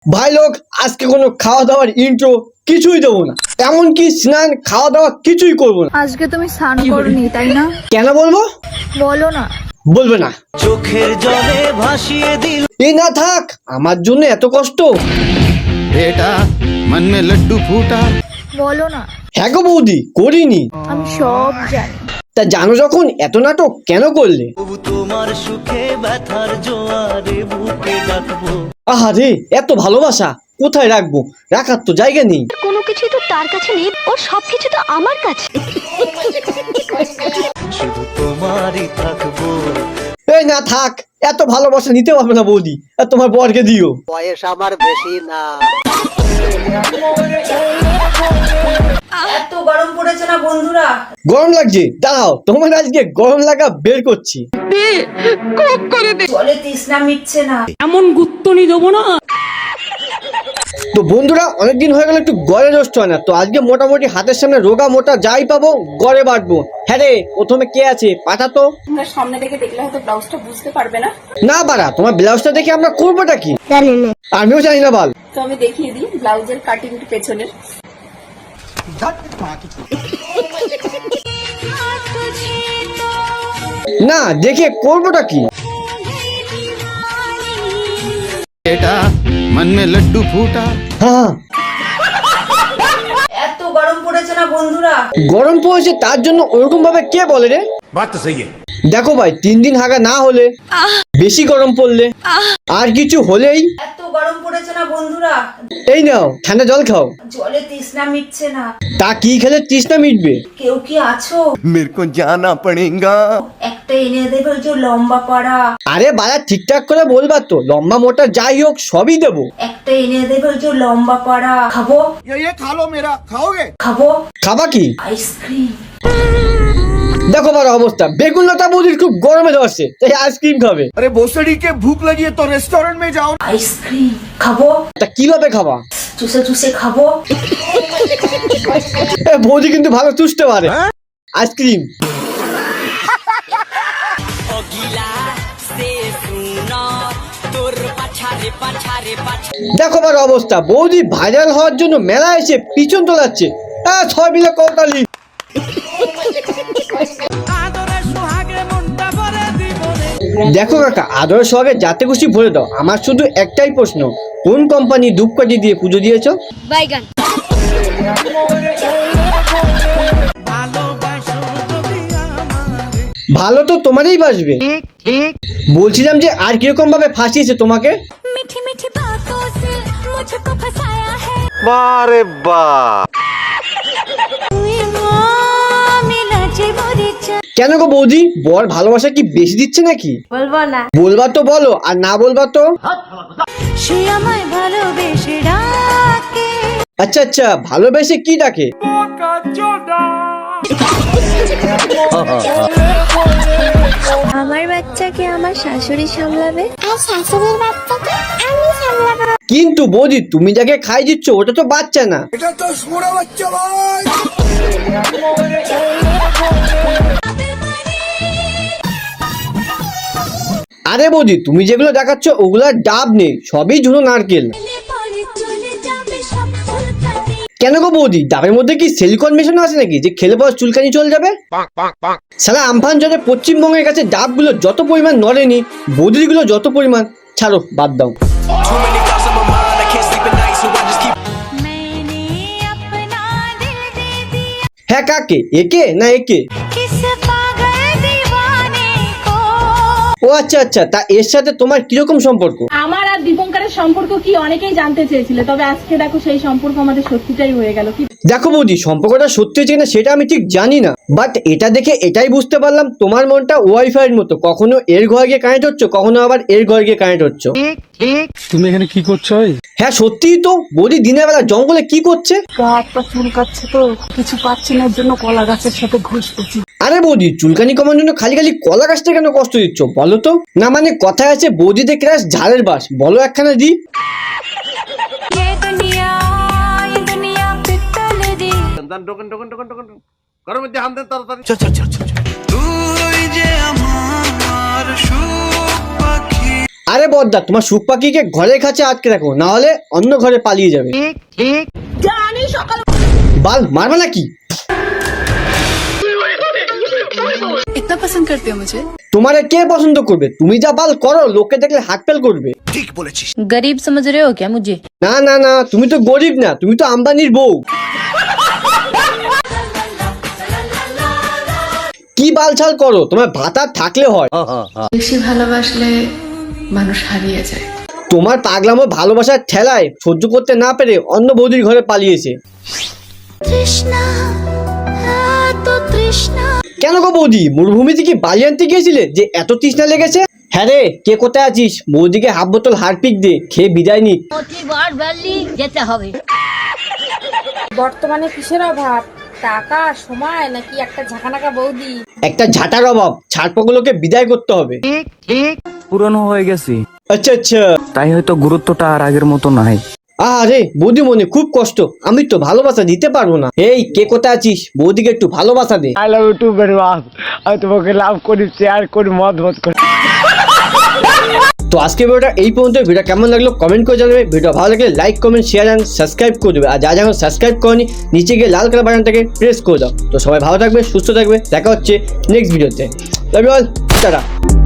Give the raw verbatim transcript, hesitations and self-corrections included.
ভাই লোক আজকে কোনো খাওয়া দাওয়ার ইন্ট্রো কিছুই দেবো না, এমনকি স্নান খাওয়া দাওয়া কিছুই করবো না। আজকে তুমি স্নান করনি তাই না? কেন বলবো? বলো না। বলবে না? চোখের জলে ভাসিয়ে দিল এই না থাক, আমার জন্য এত কষ্ট। बेटा मन में लड्डू फूटा। বলো না। হ্যাঁ গো বৌদি, করিনি। আমি সব জানি। তা জানো যখন এত নাটক কেন করলে? তবু তোমার সুখে ব্যথার জোয়ারে বুকে ডাকবো। আহারে, এত ভালোবাসা কোথায় রাখবো? রাখার তো জায়গা নেই। কোনো কিছুই তো তার কাছে নেই, ওর সবকিছু তো আমার কাছে। শুধু তোমারই থাকবো। এই না থাক, এত ভালোবাসা নিতে পারবে না বৌদি, আর তোমার বরকে দিও। বয়স আমার বেশি না। এত গরম পড়েছে না বন্ধুরা? গরম লাগছে? দাঁড়াও, তোমার আজকে গরম লাগা বের করছি। জলে তৃষ্ণা মিটছে না। তো বন্ধুরা, অনেকদিন হয়ে গেল একটু গড়ে রোস্ট হয় না, তো আজকে মোটামুটি হাতের সামনে রোগা মোটা যাই পাবো গড়ে বাটবো। হ্যাঁ রে, প্রথমে কে আছে পাঠা তো। সামনে থেকে দেখলে হয়তো ব্লাউজটা বুঝতে পারবে না। না বাড়া, তোমার ব্লাউজটা দেখে আমরা করবোটা কি? জানি না। আমিও জানি না বাল। তো আমি দেখিয়ে দিই ব্লাউজের কাটিং পেছনের। না দেখে করবোটা কি? बेटा मन में लड्डू फूटा। হ্যাঁ, এত গরম পড়েছে না বন্ধুরা? গরম পড়েছে তার জন্য ওরকম ভাবে কে বলে রে? बात तो सही है। দেখো ভাই, তিন দিন হাগা না হলে, বেশি গরম পড়লে, আর কিছু হলেই এত গরম পড়েছে না বন্ধুরা? এই নাও ঠান্ডা জল খাও। জলে তৃষ্ণা মিটছে না। তা কি খেলে তৃষ্ণা মিটবে? কেউ কি আছো? मेरे को जाना पड़ेगा। একটা এনে দেবে যে লম্বা পাড়া। আরে বাড়া, ঠিকঠাক করে বলবা তো, লম্বা মোটা যাই হোক সবই দেবো। একটা এনে দেবে যে লম্বা পাড়া। খাবো? ये खा लो मेरा, खाओगे? খাবো খাবা কি? আইসক্রিম। দেখো বাড়া অবস্থা, বেগুন লতা বৌদির খুব গরমে ধরছে, তাই আইসক্রিম খাবে। अरे भोसड़ी के भूख लगी है तो रेस्टोरेंट में जाओ। আইসক্রিম খাবো? তা কিভাবে খাবা? চুষে চুষে খাবো। এ বৌদি কিন্তু ভালো চুষতে পারে। আইসক্রিম দেখো বাড়া অবস্থা, বৌদি ভাইরাল হওয়ার জন্য মেলা এসে পিছন তোলাচ্ছে। হ্যাঁ, ছয় মিলে কৌতালি। দেখো কাকা, আদর সঙ্গে যাতে খুশি ভরে দাও। আমার শুধু একটাই প্রশ্ন, কোন কোম্পানি ধূপকাঠি দিয়ে পুজো দিয়েছো? বাইগান। ভালো তো তোমারই বাসবে। বলছিলাম যে আর কিরকম ভাবে ফাঁসিয়েছে তোমাকে? মিঠি মিঠি বাতোं से मुझको फसाया है। বারে বা তুই মিলা যে মরিচা। কেন গো বৌদি, বর ভালোবাসা কি বেশি দিচ্ছে নাকি? বলবো না। বলবা তো বলো, আর না বলবা তো। সে আমায় ভালোবেসে ডাকে। আচ্ছা আচ্ছা, ভালোবেসে কি ডাকে? আমার বাচ্চাকে আমার শাশুড়ি সামলাবে, আর শাশুড়ির বাচ্চাকে আমি সামলাবো। কিন্তু বৌদি, তুমি যাকে খাই দিচ্ছ ওটা তো বাচ্চা না। আরে বৌদি, তুমি যেগুলো দেখাচ্ছ ওগুলার ডাব নেই, সবই ঝুনো নারকেল। কেন গো বৌদি, ডাবের মধ্যে কি সিলিকন মেশানো আছে নাকি যে খেলে পর চুলকানি চলে যাবে? সালা আমফান জলে পশ্চিমবঙ্গের কাছে ডাবগুলো যত পরিমাণ নড়েনি, বৌদিগুলো যত পরিমাণ। ছাড়ো, বাদ দাও। হ্যাঁ, কাকে? একে না একে? ও আচ্ছা আচ্ছা, তা এর সাথে তোমার কিরকম সম্পর্ক? আমার আর দীপঙ্করের সম্পর্ক কি অনেকেই জানতে চেয়েছিল, তবে আজকে দেখো সেই সম্পর্ক আমাদের সত্যিটাই হয়ে গেল। কি দেখো বৌদি, সম্পর্কটা সত্যি হচ্ছে কিনা সেটা আমি ঠিক জানি না, বাট এটা দেখে এটাই বুঝতে পারলাম তোমার মনটা ওয়াইফাই এর মতো, কখনো এর ঘরে গিয়ে কানেক্ট হচ্ছে, কখনো আবার এর ঘরে গিয়ে কানেক্ট হচ্ছে। তুমি এখানে কি করছো? হ্যাঁ সত্যিই তো, বৌদি দিনের বেলা জঙ্গলে কি করছে? একটা চুলকাচ্ছে তো কিছু পাচ্ছি না, জন্য কলা গাছের সাথে ঘুষতেছি। আরে বৌদি, চুলকানি কমার জন্য খালি খালি কলা গাছটা কেন কষ্ট দিচ্ছ বলো তো? না মানে কথায় আছে বৌদিতে ক্রাশ ঝাড়ের বাস, বলো একখানা দি। চল চল চল চল। তুই যে আমার সুখ পাখি। আরে বদ্দা, তোমার সুখ পাখিকে ঘরের কাছে আটকে রাখো, না হলে অন্য ঘরে পালিয়ে যাবে। জানি সকাল বাল মারবে নাকি? इतना पसंद करते हो मुझे? তোমারে কে পছন্দ করবে? তুমি যা বাল করো লোকে দেখলে হাত ফেল করবে। गरीब समझ रहे हो क्या मुझे? না না না, তুমি তো গরিব না, তুমি তো আম্বানির বউ। কি বালছাল করো, তোমার ভাতা থাকলে হয়। বেশি ভালোবাসলে মানুষ হারিয়ে যায়। তোমার পাগলামো ভালোবাসার ঠেলায় সহ্য করতে না পেরে অন্য বৌদির ঘরে পালিয়েছে। তৃষ্ণা এত তৃষ্ণা কেন গো বৌদি, মরুভূমিতে কি বালি আনতে গিয়েছিলে যে এত তৃষ্ণা লেগেছে? হ্যাঁ রে, কে কোথায় আছিস? বৌদিকে হাফ বোতল হারপিক দে, খেয়ে বিদায় নিক। বর্তমানে কিসের অভাব? টাকা, সময়, নাকি একটা ঝাঁকানাকা বৌদি? একটা ঝাঁটার অভাব, ছাড়পগুলোকে বিদায় করতে হবে। পুরনো হয়ে গেছি, আচ্ছা আচ্ছা। তাই হয়তো গুরুত্বটা আর আগের মতো নাই। আরে বৌদি মনে খুব কষ্ট, আমি তো ভালোবাসা দিতে পারবো না। এই কে কোথায় আছিস? বৌদিকে একটু ভালোবাসা দে। I love you too very much. আমি তোমাকে লাভ করি, শেয়ার করি, মত মত করি। তো আজকে ভিডিওটা এই পর্যন্ত। ভিডিও কেমন লাগলো কমেন্ট করে জানাবে। ভিডিও ভালো লাগলে like comment share and subscribe করে দেবে। আর যা যখন সাবস্ক্রাইব করনি নিচে গিয়ে লাল কালার বাটনটাকে প্রেস করে দাও। তো সবাই ভালো থাকবে, সুস্থ থাকবে, দেখা হচ্ছে নেক্সট ভিডিওতে। Love you all, tata.